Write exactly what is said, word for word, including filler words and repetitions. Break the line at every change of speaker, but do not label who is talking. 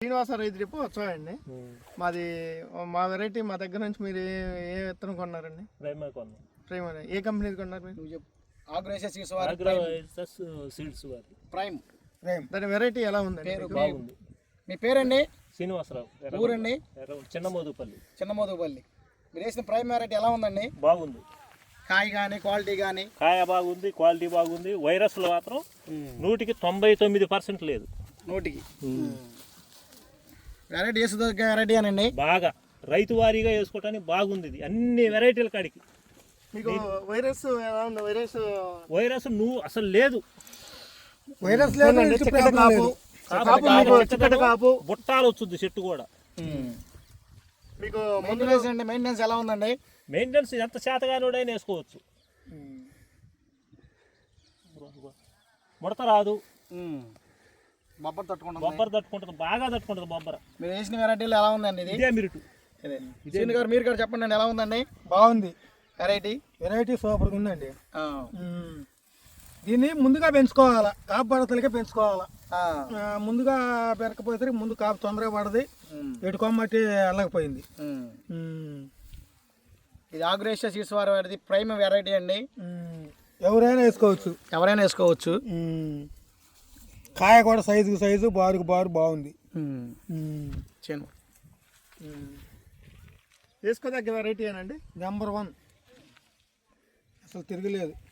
శ్రీనివాస రైతు డిపో వచ్చాయండి. మాది మా వెరైటీ మా దగ్గర నుంచి మీరు ఏ ఏ విత్తనం కొన్నారండి?
ప్రైమర్ కొన్నాం.
ప్రైమర్ ఏ కంపెనీది కొన్నారు మీరు?
ఆగ్రోసెస్
సీడ్స్ వారి
ప్రైమ్
ప్రైమ్. దాని వెరైటీ ఎలా ఉందండి?
బాగుంది.
మీ పేరండి?
శ్రీనివాసరావు.
ఊరండి?
చిన్న మోదుపల్లి.
చిన్న మోదుపల్లి. మీరు వేసిన ప్రైమ్ వెరైటీ ఎలా ఉందండి?
బాగుంది.
కాయ కానీ క్వాలిటీ కానీ?
కాయ బాగుంది, క్వాలిటీ బాగుంది. వైరస్లు మాత్రం నూటికి తొంభై తొమ్మిది పర్సెంట్ లేదు.
నూటికి వెరైటీ వేసుకు వెరైటీ అనండి.
బాగా రైతు వారీగా వేసుకోవటానికి బాగుంది. ఇది అన్ని వెరైటీల కాడికి.
మీకు వైరస్ ఎలా ఉంది? వైరస్
వైరస్ నువ్వు అసలు లేదు.
వైరస్ లేదు. కాపు
బుట్టాలు వచ్చింది చెట్టు కూడా.
మీకు మెయింటెనెన్స్ అండి, మెయింటెనెన్స్ ఎలా ఉందండి?
మెయింటెనెన్స్ ఎంత శాతగానోడైనా వేసుకోవచ్చు. ముడత రాదు,
బొబ్బర్ తట్టుకుంటుంది.
బొబ్బర తట్టుకుంటుంది, బాగా తట్టుకుంటుంది బొబ్బర.
మీరు వేసిన వెరైటీలు ఎలా ఉందండి? ఇది
ఇదే మిరుటు.
ఇదే గారు మీరు కూడా చెప్పండి అండి, ఎలా ఉందండి?
బాగుంది.
వెరైటీ
వెరైటీ సూపర్గా ఉందండి. దీన్ని ముందుగా పెంచుకోవాలా, కాపు పడతలకే పెంచుకోవాలా. ముందుగా పెరకపోతే ముందు కాపు తొందరగా పడది, ఎటు కొమ్మటి వెళ్ళకపోయింది.
ఇది ఆగ్రేషియా సీడ్స్ వారి వారిది ప్రైమ్ వెరైటీ అండి.
ఎవరైనా వేసుకోవచ్చు,
ఎవరైనా వేసుకోవచ్చు.
కాయ కూడా సైజుకు సైజు, బారుకు బారు బాగుంది.
చేను
వేసుకోదగ్గ వెరైటీ అనండి. నెంబర్ వన్, అసలు తిరగలేదు.